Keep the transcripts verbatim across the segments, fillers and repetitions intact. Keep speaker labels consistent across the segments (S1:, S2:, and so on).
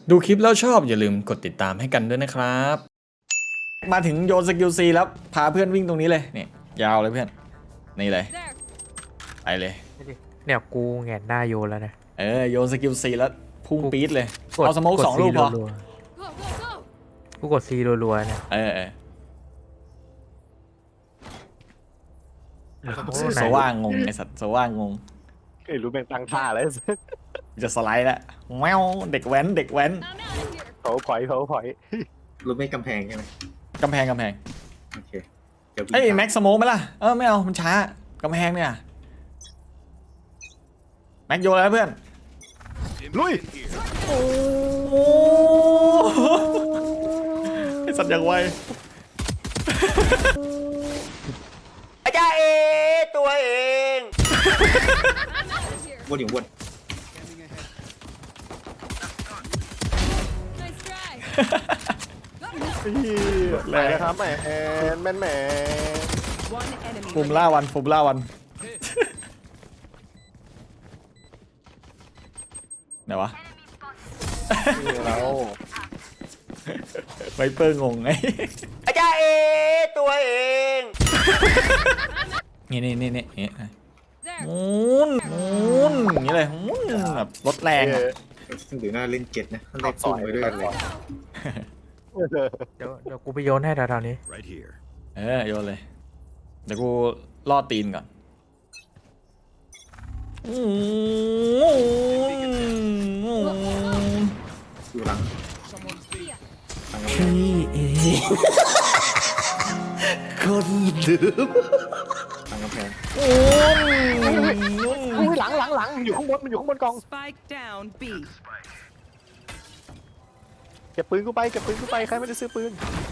S1: ดูคลิปแล้วชอบอย่าลืมกดติดตามให้กันด้วยนะครับมาถึงโยนสกิลซีแล้วพาเพื่อนวิ่งตรงนี้เลยเนี่ยยาวเลยเพื่อนนี่เลยไปเลย
S2: เนี่ยกูแงนหน้าโยนแล้วนะ
S1: เออโยนสกิลซีแล้วพุ่งปี๊ดเลยเอาสโมกสองลูกพอ
S2: กูกดซีรัวๆเนี่ย
S1: เออเออสว่างงงไอสัตว์สว่างงง
S3: ไอ้รู้เป็นตั้งท่าแล้ว
S1: จะสไลด์แล้วแมวเด็กแว้นเด็กแว้น
S3: เขาพอยเขาพอย
S4: รู้ไม่กำแพงใช่ไหม
S1: กำแพงกำแพง
S4: โอเค
S1: เอ้ยแม็กสโมกไหมล่ะเออไม่เอามันช้ากำแพงเนี่ยแม็กโยนแล้วเพื่อน
S3: ลุย
S1: โอ้ไอสัตว์อย่างไว
S3: อาจารย์เอตัวเอง
S4: วนอยู่วน
S3: แม่ครับแม่แม่แม่
S1: ฟูมล่าวันฟูมล่าวันไหนวะ
S3: เรา
S1: ไวเปอร์งงไง
S3: อาจารย์เอตัวเอง
S1: นี่นี่นี่นี่มูนมูนอย่างนี้เลยมูนแบบรถแรง
S4: หรือหน้าเล่นเจ็ดนะท่านได้ซุ่มไปด้วยกันเลย
S2: เดี๋ยวเดี๋ยวกูไปโยนให้แถวๆนี้
S1: เออโยนเลยเดี๋ยวกูล่อตีนก่อน
S4: อยู่หลัง
S1: พี่เอคนดื้อ
S4: หลังกำแพง
S3: โอ้ยหลังหลังหลังอยู่ข้างบนมันอยู่ข้างบนกองเก็บปืนกูไปเก็บปืนกูไปใครไม่ได้ซื้อปืน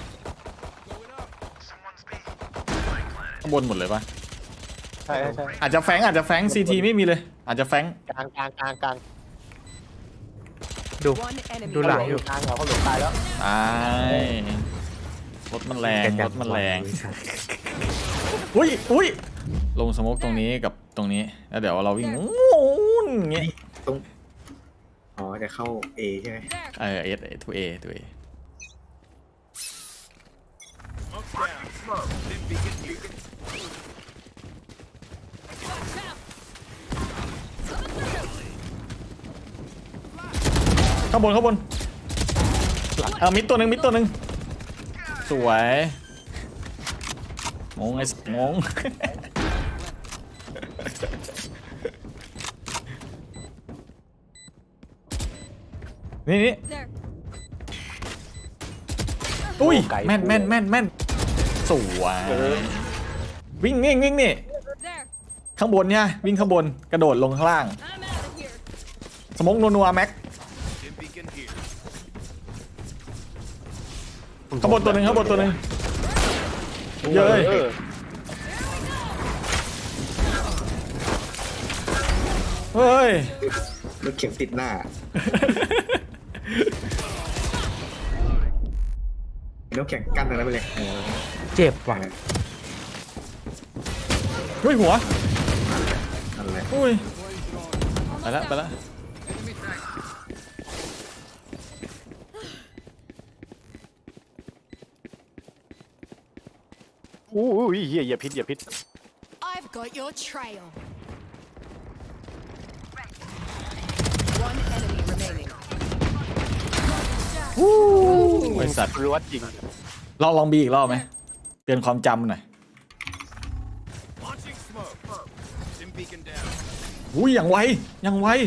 S1: ข้างบนหมดเลยปะ
S3: ใช่ใช่
S1: อาจจะแฟงอาจจะแฟงซีทีไม่มีเลยอาจจะแฟง
S3: กลางกลางกลางกลาง
S2: ดูดูหลังอยู่
S3: กลางเหรอเขาหลงตายแล้ว
S1: ตายรถมันแรงรถมันแรงอุ้ยอุ้ยลงสโมกตรงนี้กับตรงนี้แล้วเดี๋ยวเราวิ่งงูนอย่างเงี้ย
S4: ตรงอ๋อจะเข้า A ใช่ไหม
S1: เออเอสทูเอทูเอข้างบนข้างบนเออมิดตัวหนึ่งมิดตัวหนึ่งสวยงงไอ้งงนี่นี่อุ้ยแม่นแม่นแม่นแม่นสวยวิ่งวิ่งวิ่งนี่ข้างบนเนี่ยวิ่งข้างบนกระโดดลงข้างล่างสมองนัวๆแม็กข้างบนตัวหนึ่งข้างบนตัวหนึ่งเยอะเลยเฮ้ย
S4: รถเข็มติดหน้าน้ำแข็งกั้นอะไรไปเลย
S2: เจ็บว่ะ
S1: เฮ้ยหัว
S4: อะไร
S1: อุ้ยไปละไปละ
S3: อู้ยเหี้ยอย่าพิษอย่าพิษ
S5: I've got your trail. One enemy remaining.
S1: วู้ไอสัตว์
S3: รู้ว่าจริง
S1: ลองลองบีอีกรอบไหมเตือนความจำหน่อยอุ้ยอย่างไวอย่างไว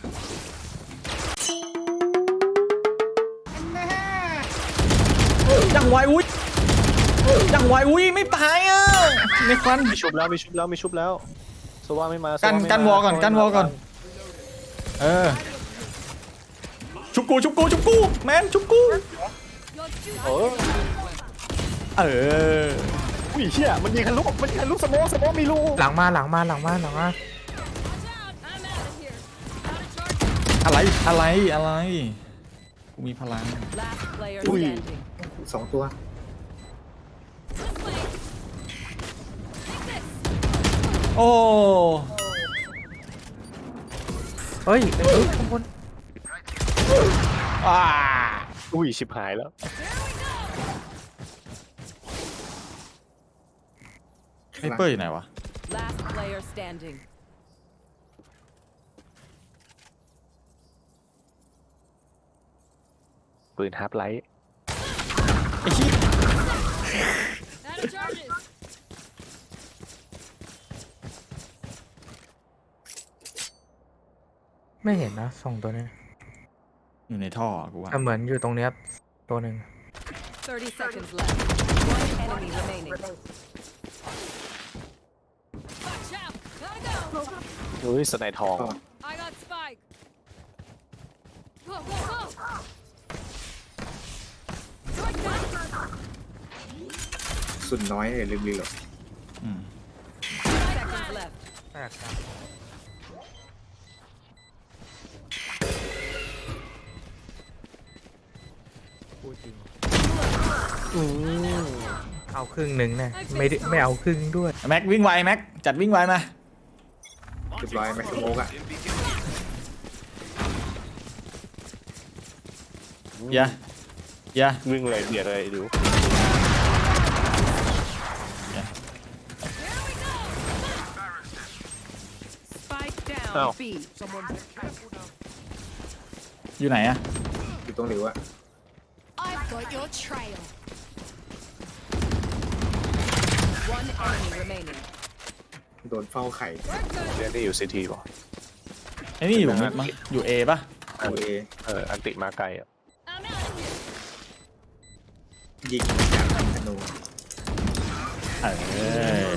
S1: อย่างไวอุ้ยอย่างไวอุ้ยไม่ตายอ่ะในควัน
S3: มีชุบแล้วมีชุบแล้วมีชุบแล้วสว่าไม่มา
S1: กันกันวอก่อนกันวอก่อนเออชุบกูชุบกูชุบกูแมนชุบกู
S3: เออ
S1: เออ
S3: อุ้ยเชี่ยมันยิงทะลุมันยิงทะลุสโมสโมมีรู
S2: หลังมาหลังมาหลังมาหลังมา
S1: อะไรอะไรอะไรกูมีพลัง
S3: อุ้ย
S4: สองตัว
S1: โอ้
S2: เฮ้ยเป็นข้างบน
S1: อ่า
S3: อุ้ยชิบหายแล้ว
S1: ไอ้เปิ้ลอยู่ไหนวะ
S5: Last player standing.
S3: ปืนฮาร์ปไลท์
S1: ไอ้ชี้
S5: Out of charges.
S2: ไม่เห็นนะสองตัวนี้
S1: อยู่ในท่อกูว่า
S2: แต่เหมือนอยู่ตรงเนี้ยตัวหนึ่ง
S5: Thirty seconds left. One enemy remaining. Watch out! Gotta go.
S3: อุ้ยสไนทอง
S5: I got spike. Go go go. Strike that.
S4: สุดน้อยเลยลืมรีโหลด
S1: อืม
S5: Seconds left.
S2: แปลกครับพูดจริงเอาครึ่งหนึ่งนะไม่ได้ไม่เอาครึ่งด้วย
S1: แม็กวิ่งไวแม็กจัดวิ่งไวมา
S4: เรียบร้อยแม็กซ์โมกอะ
S1: อย่าอย่า
S3: วิ่งเลยเบียดเลยดู
S5: Spike down.
S3: Ow.
S5: B.
S1: อยู่ไหนอะ
S4: อยู่ตรงหลิวอะ
S5: I've got your trail. One enemy remaining.
S4: โดนเฝ้าไข่
S3: เรียนที่อยู่ซีทีป่ะ
S1: ไอ้นี่อยู่มิดมั้งอยู่เอป่ะ
S4: ตัวเอ
S3: เอออันติมาไกลอ่ะ
S5: I'm out of here.
S4: ยิงจากธนู
S1: เออ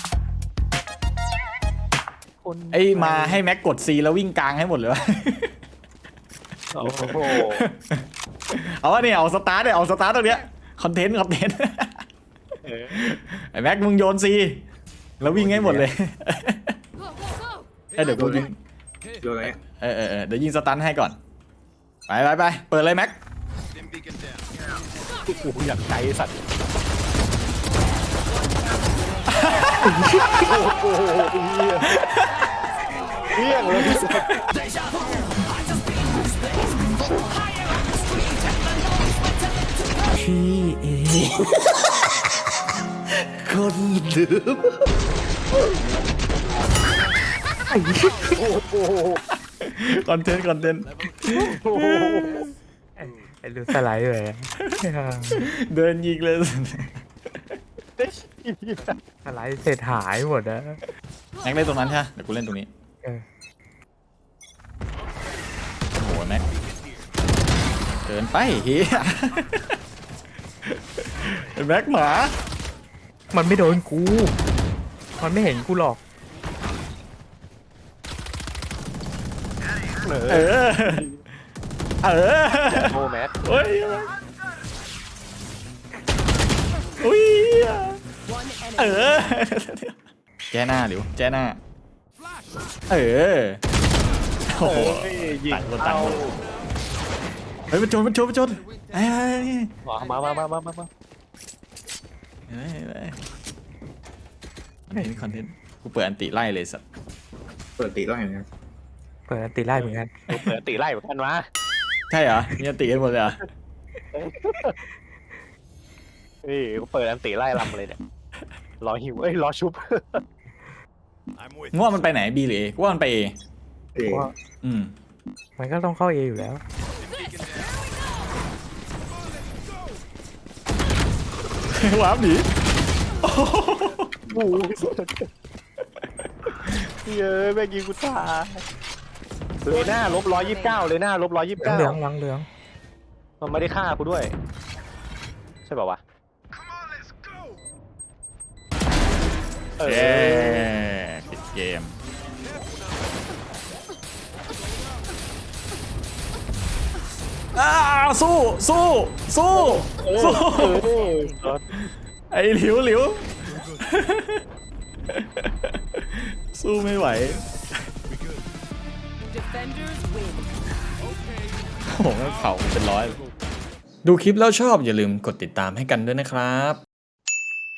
S1: ไอ้มาให้แม็กกด C แล้ววิ่งกลางให้หมดเลยวะ
S3: โอ้โห
S1: เอาวะเนี่ยเอาสตาร์ทเนี่ยเอาสตาร์ทตรงเนี้ยคอนเทนต์คอนเทนต์
S3: เออ
S1: ไอ้แม็กมึงโยน C แล้ววิ่งให้หมดเลย
S5: Go go go.
S1: เอ้ยเดี๋ยวกูยิง
S4: โดนอะไรอะ
S1: เออเออเออเดี๋ยวยิงสตันให้ก่อนไปไปไปเปิดเลยแม็ก
S3: กูอยากใจสัตว์โอ้โหเฮี้ยงเลยสัตว์
S1: คอนเทนต์คอนเทนต์
S2: ไอ้ลูกสไลด์เลยอะ
S1: เดินยิงเลย
S2: สไลด์เสร็จหายหมดนะ
S1: แม็กเล่นตรงนั้นใช่ไหมเดี๋ยวกูเล่นตรงนี้
S2: เออ
S1: โอ้โหแม็กเกินไปเฮียไอ้แม็กหมา
S2: มันไม่โดนกู มันไม่เห็นกูหรอก
S3: เอ
S1: เอ
S3: อ
S1: อ เออ
S3: โอ้แมท
S1: เฮ้ยอุ้ย
S5: One
S1: เอ
S5: enemy.
S1: อ แจ้หน้าหลิวแจ้หน้า เออ โอ้โห
S3: ยิง
S1: ต่างคนต่า
S3: เอา
S1: งคนเฮ้ยมันโจนมันโจนมันโจนไอ้ไอ้
S3: มามามามามามา
S1: ไอ้ไอ้คอนเทนต์คอนเทนต์กูเปิดอันติไล่เลยสัตว์
S4: เปิดตีไล่นะครับ
S2: เปิดอันตีไล่เหมือนกัน
S3: กูเปิดอันติไล่เหมือนกันวะ
S1: ใช่เหรอมีอันติกันหมดเลยเหรอ
S3: เฮ้ยกูเปิดอันติไล่ลำเลยเนี่ยรอหิวเอ้ยรอชุบ
S1: ง่วงมันไปไหนบีหรือเอกูว่ามันไปเอ
S4: เอ
S1: อืม
S2: มันก็ต้องเข้าเออยู่แล้ว
S1: วาร์ปหนี
S3: โอ้โหเยอะแม่งยิงกูตายเลยหน้าลบร้อยยี่สิบเก้าเลยหน้าลบร้อยยี่สิบ
S2: เหลือง
S3: เก้า
S2: เหลืองเหลืองเหลือง
S3: มันไม่ได้ฆ่ากูด้วย ใช่ป่าวะเอ
S1: เย้
S3: อ
S1: ปิดเกมอ้าวสู้สู้สู้สู้
S3: เออ
S1: ไอ้หลิวหลิว สู้ไม่ไหว
S5: Defenders win.
S1: โอ้โหเผาเป็นร้อยเลยดูคลิปแล้วชอบอย่าลืมกดติดตามให้กันด้วยนะครับ